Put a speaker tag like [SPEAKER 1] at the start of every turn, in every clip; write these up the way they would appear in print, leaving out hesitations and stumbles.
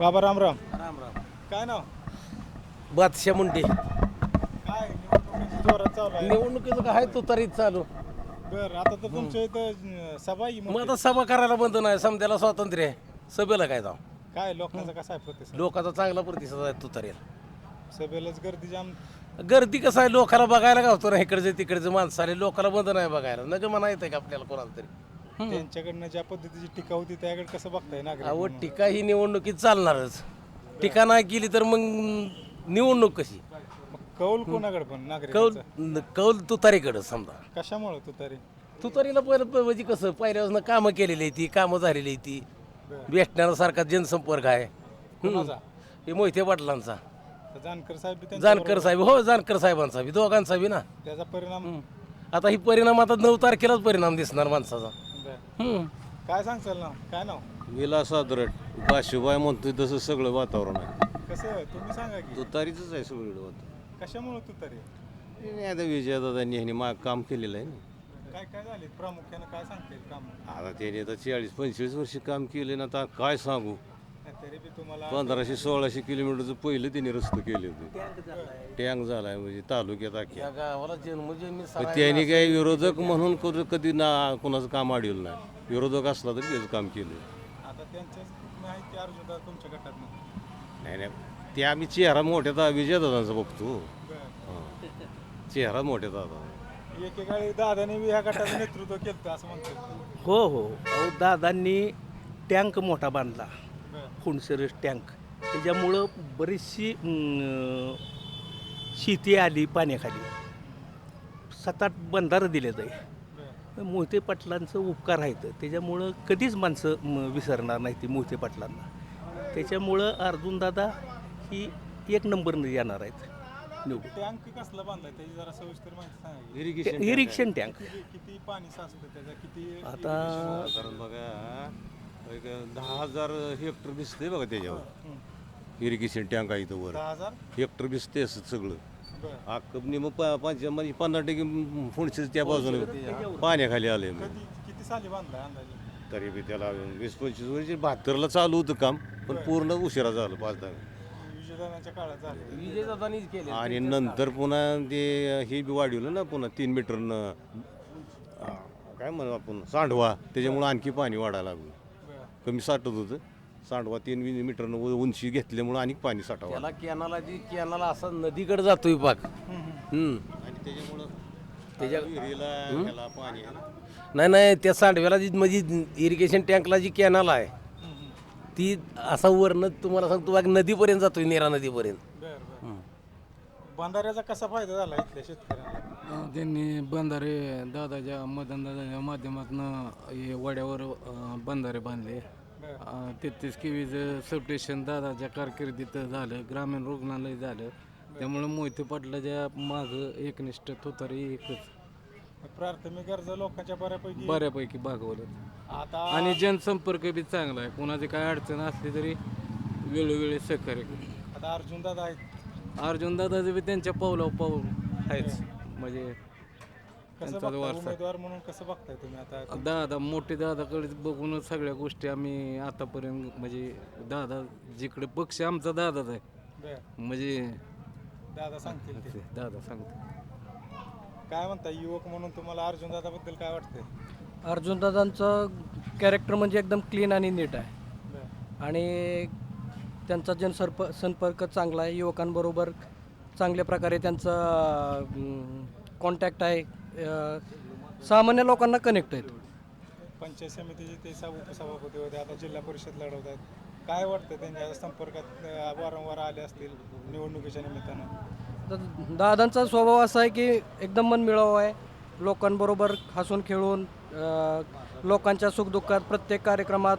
[SPEAKER 1] बाबा रामराम.
[SPEAKER 2] राम राम.
[SPEAKER 1] काय नाव?
[SPEAKER 2] बादशा मुंडे.
[SPEAKER 1] काय निवडणुकीची जोरात चालू आहे.
[SPEAKER 2] निवडणुकीचं काय तुतारीत चालू.
[SPEAKER 1] बरं, आता तर तुमच्या इथं सभा आहे
[SPEAKER 2] मग
[SPEAKER 1] मोठी.
[SPEAKER 2] आता सभा करायला बंद नाही, समजायला स्वातंत्र्य आहे. सभेला काय जाऊ.
[SPEAKER 1] काय लोकांचा कसा आहे प्रतिसाद?
[SPEAKER 2] लोकांचा चांगला प्रतिसाद आहे तुतारीला.
[SPEAKER 1] सभेलाच गर्दी जाम.
[SPEAKER 2] गर्दी कसं आहे, लोकांना बघायला गावतो ना, इकडचे तिकडचे माणसं आले, लोकांना बंद नाही बघायला. नग म्हणा येते का आपल्याला कोणाला तरी.
[SPEAKER 1] त्यांच्याकडनं ज्या पद्धतीची टीका होती त्याकडे कसं बघताय नागरिक
[SPEAKER 2] अहो,
[SPEAKER 1] म्हणून?
[SPEAKER 2] टीका ही निवडणुकीत चालणारच. टीका नाही केली तर मग निवडणूक कशी.
[SPEAKER 1] मग कौल कोणाकडे पण
[SPEAKER 2] कौल
[SPEAKER 1] नागरिक
[SPEAKER 2] कौल तुतारीकडं समजा.
[SPEAKER 1] कशामुळे तू तरी?
[SPEAKER 2] तुतारीला पहिलं म्हणजे कसं पहिल्यापासून कामं केलेली आहे ती, कामं झालेली आहे ती.
[SPEAKER 1] बरं.
[SPEAKER 2] भेटण्यासारखा जनसंपर्क आहे.
[SPEAKER 1] कोणाचा?
[SPEAKER 2] हे मोहिते पाटलांचा.
[SPEAKER 1] तर जानकर साहेब बी त्यांच्याबरोबर-
[SPEAKER 2] जानकर साहेब, हो जानकर साहेबांचा बी, दोघांचा बी ना.
[SPEAKER 1] त्याचा परिणाम.
[SPEAKER 2] आता ही परिणाम आता 9 तारखेलाच परिणाम दिसणार माणसाचा.
[SPEAKER 1] बरं. काय सांगचाल ना? काय नाव?
[SPEAKER 3] विलास आदरट बाशिबाई म्हणतोय तसं सगळं वातावरण आहे.
[SPEAKER 1] कसं तुम्ही सांगा की
[SPEAKER 3] तुतारीचंच आहे सगळं वातावरण.
[SPEAKER 1] कशामुळे तू तरी?
[SPEAKER 3] हे नाही आता विजयदादांनी ह्यांनी काम केलेलं आहे ना.
[SPEAKER 1] काय काय झाले प्रामुख्याने काय सांगता येईल काम?
[SPEAKER 3] आता त्याने आता 40-45 वर्ष काम केले ना, आता काय सांगू.
[SPEAKER 1] तरी बी तुम्हाला
[SPEAKER 3] 1500-1600 किलोमीटरचं पहिलं त्यांनी रस्ते केले होते. टँक झालाय म्हणजे तालुक्यात अख्ख्या.
[SPEAKER 2] या गावाला जन्मजन्मी
[SPEAKER 3] पण त्यांनी काही विरोधक म्हणून कधी ना कोणाचं काम अडवलं नाही. विरोधक असला तरी त्याचं काम केलं.
[SPEAKER 1] आता त्यांच्याच माहिती अर्जुन तुमच्या गटात
[SPEAKER 3] नाही नाही, ते आम्ही चेहरा मोठ्या विजयदादांचा बघतो. चेहरा मोठ्या दादा.
[SPEAKER 1] एकेकाळी दादाने बी ह्या गटाचं नेतृत्व केलं असं म्हणतात.
[SPEAKER 4] हो हो अहो दादांनी टँक मोठा बांधला, फुंडसरस टँक. त्याच्यामुळं बरीचशी शेती आली पाण्याखाली. 7-8 बंधारं दिले जाईल. मोहिते पाटलांचं उपकार आहेत, त्याच्यामुळं कधीच माणसं विसरणार नाही ती मोहिते पाटलांना. त्याच्यामुळं अर्जुनदादा ही 1 नंबरनं येणार आहेत निवडून.
[SPEAKER 1] टँक कसला बांधलाय त्याची जरा सविस्तर माहिती सांगा.
[SPEAKER 3] इरिगेशन
[SPEAKER 4] इरिक्शन टँक
[SPEAKER 1] किती पाणी साचतं त्याचा? किती
[SPEAKER 4] आता
[SPEAKER 3] कारण बघा एक 10,000 हेक्टर दिसतंय बघा त्याच्यावर. इरिगेशन टँक आहे इथं वर
[SPEAKER 1] 10,000?
[SPEAKER 3] हेक्टर दिसते असं सगळं.
[SPEAKER 1] बरं.
[SPEAKER 3] अक्कबनी मग म्हणजे 50% फुणशीच त्या बाजूने पाण्याखाली आले. मग
[SPEAKER 1] किती साली बांधलाय अंदाजे?
[SPEAKER 3] तरी बी त्याला 20-25 वर्ष 72ला चालू होतं काम, पण पूर्ण उशिरा झालं 5-10.
[SPEAKER 1] विजयदानाच्या काळात झाले.
[SPEAKER 2] विजयदादांनीच केले.
[SPEAKER 3] आणि नंतर पुन्हा ते हे बी वाढवलं ना, पुन्हा 3 मीटरनं काय म्हणू आपण सांडवा, त्याच्यामुळं आणखी पाणी वाढायला लागलं.
[SPEAKER 1] बरं.
[SPEAKER 3] कमी साठत होतं. सांडवा 3 मीटरनं उंची घेतल्यामुळं आणि पाणी साठावं.
[SPEAKER 2] त्याला कॅनाला असा नदीकडे जातोय पाक.
[SPEAKER 3] आणि त्याच्यामुळं विहिरीला ह्याला पाणी आहे ना.
[SPEAKER 2] नाही त्या सांडव्याला जी म्हणजे इरिगेशन टँकला जी कॅनल आहे ती असा वरनं तुम्हाला सांगतो बाग नदीपर्यंत जातोय, नेरा नदीपर्यंत.
[SPEAKER 1] बरं बरं. बंधाऱ्याचा कसा फायदा झाला इथल्या शेतकऱ्यांना?
[SPEAKER 5] त्यांनी बंधारे दादाच्या दादाच्या माध्यमातून हे वड्यावर बंधारे बांधले. 33 केवीचं सबस्टेशन दादाच्या कारकिर्दीत झालं, ग्रामीण रुग्णालय झालं. त्यामुळे मोहिते पाटलाच्या मागं एकनिष्ठ तुतारी एकच
[SPEAKER 1] प्राथमिक गरजा लोकांच्या
[SPEAKER 5] बऱ्यापैकी भागवलं.
[SPEAKER 1] आता
[SPEAKER 5] आणि जनसंपर्क बी चांगला आहे. कोणाची काय अडचण असली तरी वेळोवेळी सहकार्य करतो.
[SPEAKER 1] आता अर्जुन दादा आहेत.
[SPEAKER 5] अर्जुन दादाचं बी त्यांच्या पाऊलावर पाऊल आहेच. म्हणजे
[SPEAKER 1] कसं
[SPEAKER 5] त्यांचा
[SPEAKER 1] बघताय
[SPEAKER 5] वारसा.
[SPEAKER 1] उमेदवार म्हणून कसं बघताय तुम्ही आता?
[SPEAKER 5] दादा मोठे दादाकडे बघूनच सगळ्या गोष्टी आम्ही आतापर्यंत म्हणजे दादा जिकडे पक्ष आमचा दादाच आहे.
[SPEAKER 1] बरं.
[SPEAKER 5] म्हणजे
[SPEAKER 1] दादा सांगतील ते.
[SPEAKER 5] दादा सांगतो.
[SPEAKER 1] काय म्हणता युवक म्हणून तुम्हाला अर्जुन दादा बद्दल काय वाटतंय?
[SPEAKER 6] अर्जुनदादांचं कॅरेक्टर म्हणजे एकदम क्लीन आणि नीट आहे.
[SPEAKER 1] बरं.
[SPEAKER 6] आणि त्यांचा संपर्क चांगला आहे. युवकांबरोबर चांगल्या प्रकारे त्यांचा कॉन्टॅक्ट आहे. सामान्य लोकांना कनेक्ट आहेत.
[SPEAKER 1] पंचायत समितीचे ते उपसभापती होते, आता जिल्हा परिषद लढवत आहेत. काय वाटतं त्यांच्या संपर्कात वारंवार आले असतील निवडणुकीच्या निमित्तानं?
[SPEAKER 6] तर दादांचा स्वभाव असा आहे की एकदम मनमिळावू आहे. लोकांबरोबर हसून खेळून लोकांच्या सुखदुःखात प्रत्येक कार्यक्रमात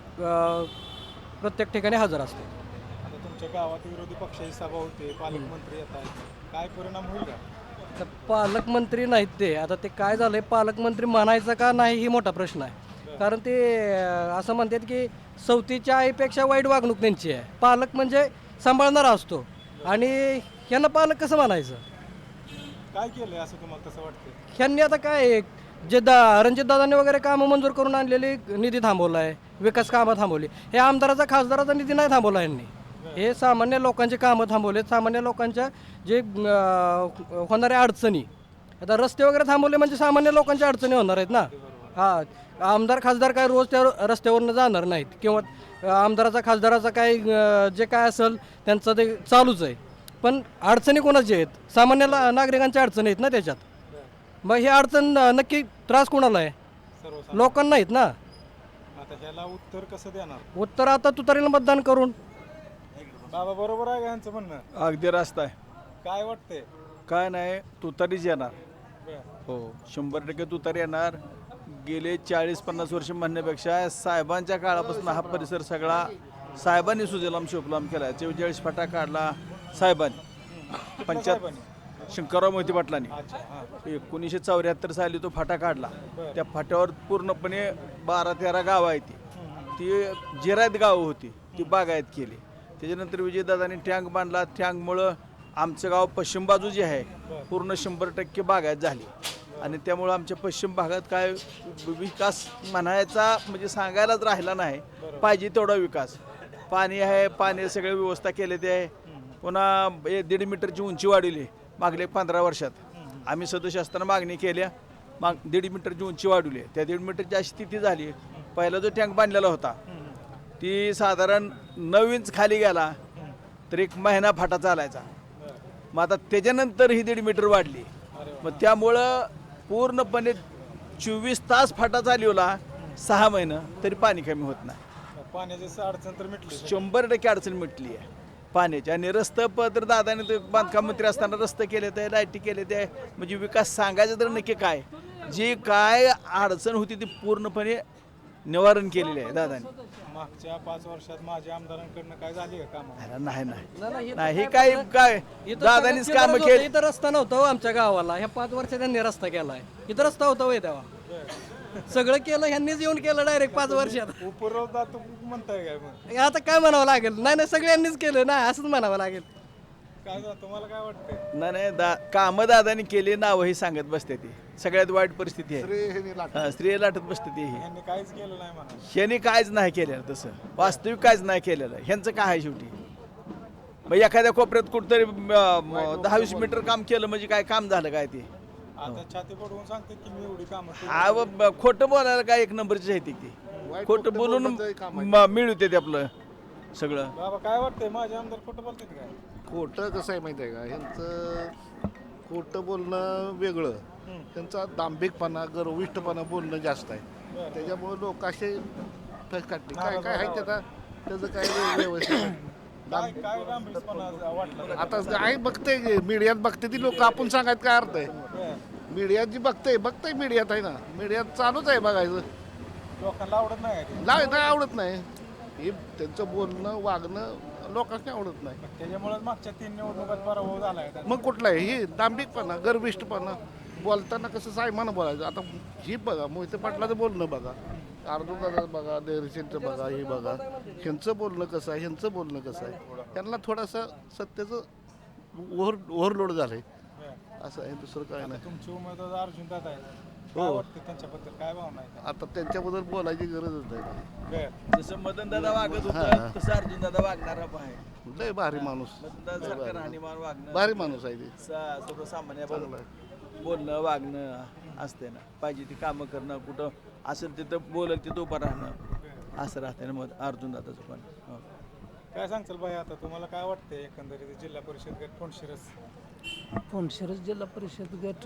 [SPEAKER 6] प्रत्येक ठिकाणी हजर असते.
[SPEAKER 1] आता तुमच्या गावात विरोधी पक्षाची सभा होते, पालकमंत्री येत आहेत, काय परिणाम होईल का?
[SPEAKER 6] तर पालकमंत्री नाहीत ते. आता ते काय झालं आहे, पालकमंत्री म्हणायचं का नाही ही मोठा प्रश्न आहे. कारण ते असं म्हणतात की सवतीच्या आईपेक्षा वाईट वागणूक त्यांची आहे. पालक म्हणजे सांभाळणारा असतो आणि ह्यांना पालक कसं म्हणायचं?
[SPEAKER 1] काय केलंय असं तुम्हाला तसं वाटतं?
[SPEAKER 6] ह्यांनी आता काय जे रणजितदादांनी वगैरे कामं मंजूर करून आणलेली निधी थांबवला आहे, विकास कामं थांबवली. हे आमदाराचा खासदाराचा निधी नाही थांबवला यांनी. हे सामान्य लोकांची कामं थांबवले, सामान्य लोकांच्या जे होणाऱ्या अडचणी. आता रस्ते वगैरे थांबवले म्हणजे सामान्य लोकांच्या अडचणी होणार आहेत ना. हां, आमदार खासदार काय रोज त्या रस्त्यावरनं जाणार नाहीत किंवा आमदाराचा खासदाराचा काय जे काय असेल त्यांचं ते चालूच आहे. पण अडचणी कोणाच्या आहेत? सामान्य नागरिकांच्या अडचणी आहेत ना त्याच्यात. मग ही अडचण नक्की त्रास कोणाला आहे?
[SPEAKER 1] सर्वसामान्य.
[SPEAKER 6] लोकांना नाहीत ना.
[SPEAKER 1] आता ह्याला उत्तर कसं देणार?
[SPEAKER 6] उत्तर आता तुतारीला मतदान करून.
[SPEAKER 1] बाबा बरोबर आहे का यांचं म्हणणं?
[SPEAKER 7] अगदी रास्ता आहे.
[SPEAKER 1] काय वाटतंय?
[SPEAKER 7] काय नाही तुतारीच येणार.
[SPEAKER 1] बरं.
[SPEAKER 7] हो 100% तुतारी येणार. गेले 40-50 वर्ष म्हणण्यापेक्षा साहेबांच्या काळापासून हा परिसर सगळा साहेबांनी सुजलाम शिवलाम केला. 44 फाटा काढला साहेबांनी. शंकरराव मोहिते पाटलांनी.
[SPEAKER 1] अच्छा, हां.
[SPEAKER 7] 1974 साली तो फाटा काढला. त्या फाट्यावर पूर्णपणे 12-13 गावं आहेत. ती जिरायत गावं होती, ती बागायत केली. त्याच्यानंतर विजयदादांनी टँक बांधला. टँकमुळं आमचं गाव पश्चिम बाजू जी आहे पूर्ण 100% बागायत झाली. आणि त्यामुळं आमच्या पश्चिम भागात काय विकास म्हणायचा म्हणजे सांगायलाच राहिला नाही. पाहिजे तेवढा विकास. पाणी आहे, पाणी सगळी व्यवस्था केली आहे. पुन्हा 1.5 मीटरची उंची वाढवली मागल्या 15 वर्षात. आम्ही सदस्य असताना मागणी केल्या, 1.5 मीटरची उंची वाढवली. त्या 1.5 मीटरची अशी स्थिती झाली, पहिला जो टँक बांधलेला होता ती साधारण 9 इंच खाली गेला तर 1 महिना फाटा चालायचा. मग आता त्याच्यानंतर ही 1.5 मीटर वाढली. मग त्यामुळं पूर्णपणे 24 तास फाटा चालवला 6 महिने तरी पाणी कमी होत नाही.
[SPEAKER 1] पाण्याची अडचण तर मिटली.
[SPEAKER 7] 100% अडचण मिटली आहे पाण्याची. आणि रस्ते तर दादाने ते बांधकाम मंत्री असताना रस्ते केले ते, लाईटी केले ते. म्हणजे विकास सांगायचं तर नक्की काय, जी काय अडचण होती ती पूर्णपणे निवारण केलेले आहे दादाने.
[SPEAKER 1] मागच्या 5 वर्षात माझ्या आमदारांकडनं काय झाली का कामं?
[SPEAKER 7] नाही हे काय दादानीच काम केली.
[SPEAKER 6] इथं रस्ता नव्हता हो आमच्या गावाला. ह्या 5 वर्षात त्यांनी रस्ता केलाय. इथं रस्ता होता होय तेव्हा. सगळं केलं ह्यांनीच येऊन केलं डायरेक्ट 5 वर्षात.
[SPEAKER 1] उपरोधा तू म्हणताय काय मग?
[SPEAKER 6] आता काय म्हणावं लागेल? नाही सगळ्यांनीच केलं ना, असंच म्हणावं लागेल.
[SPEAKER 1] काय तुम्हाला काय वाटतंय?
[SPEAKER 7] नाही कामं दादानी केली, नावही सांगत बसते ती. सगळ्यात वाईट परिस्थिती आहे. स्त्री लाटत बसते ती.
[SPEAKER 1] यांनी काहीच केलं नाही म्हणा.
[SPEAKER 7] ह्यांनी काहीच नाही केलेलं, तसं वास्तविक काहीच नाही केलेलं. ह्यांचं काय आहे शेवटी? मग एखाद्या कोपऱ्यात कुठतरी 10-20 मीटर काम केलं म्हणजे काय काम झालं काय ते?
[SPEAKER 1] आता छाती पडवून सांगते की मी एवढी कामं केली.
[SPEAKER 7] हा खोटं बोलायला काय 1 नंबरची आहे ती. खोटं बोलून मिळवते ते आपलं सगळं.
[SPEAKER 1] बाबा काय वाटतंय माझे आमदार खोटं बोलतात काय?
[SPEAKER 8] खोटं कसं आहे माहिती आहे का, ह्यांचं खोटं बोलणं वेगळं, त्यांचा दांभिकपणा गर्विष्ठपणा बोलणं जास्त आहे. त्याच्यामुळे लोक असे फस काढते. काय काय आहे त्याचा त्याचं काय व्यवस्थित
[SPEAKER 1] काय काय डांबरीपणा वाटलं?
[SPEAKER 8] आता आहे बघते मीडियात बघते ती लोक, आपण सांगायचं काय अर्थ आहे? मीडियात जी बघते मीडियात आहे ना, मीडियात चालूच आहे बघायचं.
[SPEAKER 1] लोकांना आवडत नाही का ते?
[SPEAKER 8] नाही आवडत नाही. हे त्यांचं बोलणं वागणं लोकांना आवडत नाही.
[SPEAKER 1] त्याच्यामुळे मागच्या 3 निवडणुकात पराभव झालाय.
[SPEAKER 8] मग कुठला आहे हे दांभिकपणा गर्विष्ठपणा? बोलताना कसं सायमानं बोलायचं. आता ही बघा मोहिते पाटलाचं बोलणं बघा, अर्जुनदादाचं बघा, देरशेंचं बघा, हे बघा, ह्यांचं बोलणं कसं आहे, ह्यांचं बोलणं कसं आहे. त्यांना थोडंसं सत्याचं ओव्हरलोड झालं आहे, असं आहे. दुसरं काय नाही.
[SPEAKER 1] तुमचे उमेदवार अर्जुन दादा आहेत, काय वाटतं त्यांच्याबद्दल? काय भावना आहे?
[SPEAKER 8] आता त्यांच्याबद्दल बोलायची गरजच नाही.
[SPEAKER 1] बरं.
[SPEAKER 7] जसं मदन दादा वागत होता तसं अर्जुन दादा वागणार आहे.
[SPEAKER 8] लय भारी माणूस,
[SPEAKER 7] मदन दादा सारखं राहणीमान वागणं,
[SPEAKER 8] भारी माणूस आहे ते.
[SPEAKER 7] सर्वसामान्य बोलणं वागणं असते ना. पाहिजे ती कामं करणं, कुठं असेल तिथं बोलल तिथं उभं राहणं, असं राहते ना. मग अर्जुन दादाचं पण
[SPEAKER 1] काय सांगचाल भाई? आता तुम्हाला काय वाटतंय एकंदरीत जिल्हा परिषद गट
[SPEAKER 9] फोनशिरस जिल्हा परिषद गट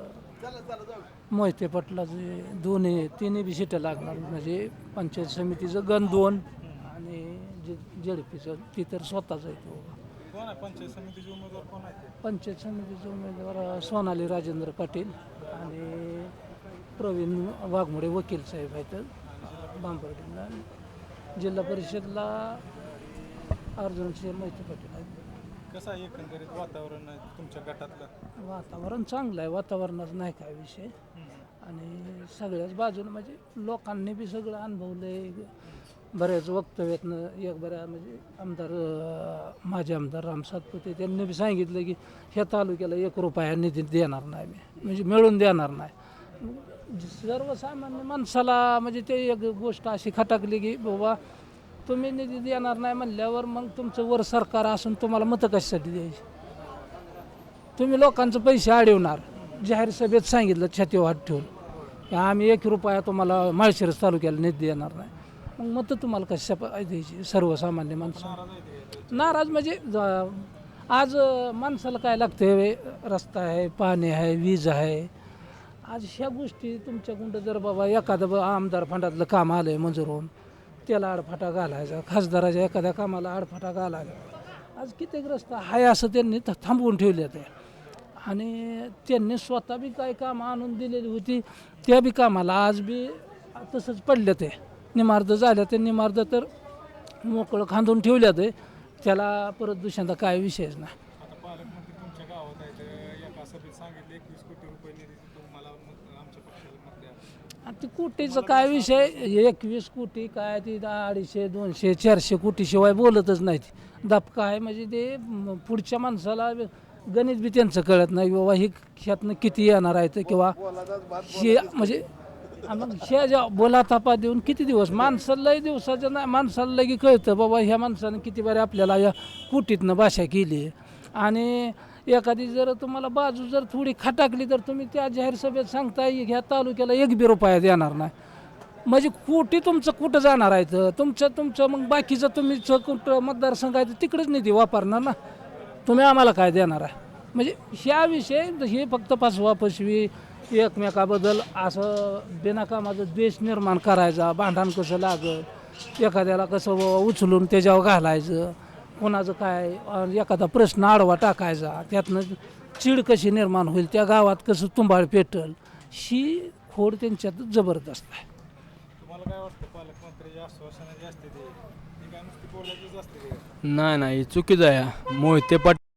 [SPEAKER 9] मोहिते पाटलाचे तिन्ही बी सीटं लागणार. म्हणजे पंचायत समितीचं गण 2 आणि जेडपीचं ती तर स्वतःच आहे. तो
[SPEAKER 1] कोण आहे पंचायत समितीचे उमेदवार? कोण आहे?
[SPEAKER 9] पंचायत समितीचे उमेदवार सोनाली राजेंद्र पाटील आणि प्रवीण वाघमोडे वकील साहेब आहेत बांबर्डीला. जिल्हा परिषदला अर्जुनसिंह मोहिते पाटील आहेत.
[SPEAKER 1] कसं आहे एकंदरीत वातावरण तुमच्या गटातलं?
[SPEAKER 9] वातावरण चांगलं आहे, वातावरणाचा नाही काय विषय. आणि सगळ्याच बाजूने म्हणजे लोकांनी बी सगळं अनुभवलंय. बऱ्याच वक्तव्यातनं एक बऱ्या म्हणजे आमदार माझे आमदार राम सातपुते त्यांनी बी सांगितलं की ह्या तालुक्याला 1 रुपया निधी देणार नाही मी, म्हणजे मिळून देणार नाही. सर्वसामान्य माणसाला म्हणजे ते एक गोष्ट अशी खटाकली की बाबा तुम्ही निधी देणार नाही म्हणल्यावर मग तुमचं वर सरकार असून तुम्हाला मतं कशासाठी द्यायची. तुम्ही लोकांचे पैसे अडवणार, जाहीर सभेत सांगितलं छातीवर हात ठेवून की आम्ही 1 रुपया तुम्हाला माळशिरस तालुक्याला निधी देणार नाही, मग मतं तुम्हाला कशा द्यायची सर्वसामान्य माणसं. नाराज म्हणजे आज माणसाला काय लागते, रस्ता आहे, पाणी आहे, वीज आहे. आज ह्या गोष्टी तुमच्याकडं जर बाबा एखादं आमदार फंडातलं काम आलं आहे मंजूर होऊन त्याला आडफाटा घालायचा, खासदाराच्या एखाद्या कामाला आडफाटा घालायचा. आज कित्येक रस्ता आहे असं त्यांनी थांबवून ठेवले ते, आणि त्यांनी स्वतः बी काही कामं आणून दिलेली होती त्या बी कामाला आज बी तसंच पडलं ते. निमार्द झाल्या ते, निमार्द तर मोकळं खांदून ठेवल्या ते, त्याला परत दुसऱ्यांदा काय विषयच नाही.
[SPEAKER 1] आता पालकमंत्री तुमच्या गावात आहेत, एका सभेत सांगितले 21 कोटी रुपये निधी तुम्हाला आमच्या पक्षाला मत द्या.
[SPEAKER 9] आणि ते कोटीचं काय विषय, 21 कोटी काय ती 250, 200, 400 कोटी शिवाय बोलतच नाही. दबका आहे म्हणजे ते पुढच्या माणसाला गणित बी त्यांचं कळत नाही बाबा ही ह्यातनं किती येणार आहे किंवा हे म्हणजे मग ह्या ज्या बोला तापा देऊन किती दिवस माणसालाही दिवसाच्या नाही माणसाला लगे कळतं बाबा ह्या माणसानं किती बरे आपल्याला या कुटीतनं भाषा केली. आणि एखादी जर तुम्हाला बाजू जर थोडी खटाकली तर तुम्ही त्या जाहीर सभेत सांगताय ह्या तालुक्याला 1 बी रुपया देणार नाही, म्हणजे कुठे तुमचं कुठं जाणार आहे तर तुमचं मग बाकीचं तुम्ही कुठं मतदारसंघ आहे तर तिकडेच निधी वापरणार ना, तुम्ही आम्हाला काय देणार आहे. म्हणजे ह्याविषयी हे फक्त फसवी एकमेकाबद्दल असं बिनाकामाचं द्वेष निर्माण करायचा, भांडण कसं लागत, एखाद्याला कसं उचलून त्याच्यावर घालायचं, कोणाचं काय एखादा प्रश्न आडवा टाकायचा, त्यातनं चीड कशी निर्माण होईल, त्या गावात कसं तुंबाळ पेटल, ही खोड त्यांच्यात जबरदस्त आहे.
[SPEAKER 1] तुम्हाला काय वाटतं पालकमंत्र्याची आश्वासनं जी असते ती काय नुसती बोलायचीच असते?
[SPEAKER 5] नाही चुकीचं आहे. मोहिते पाटील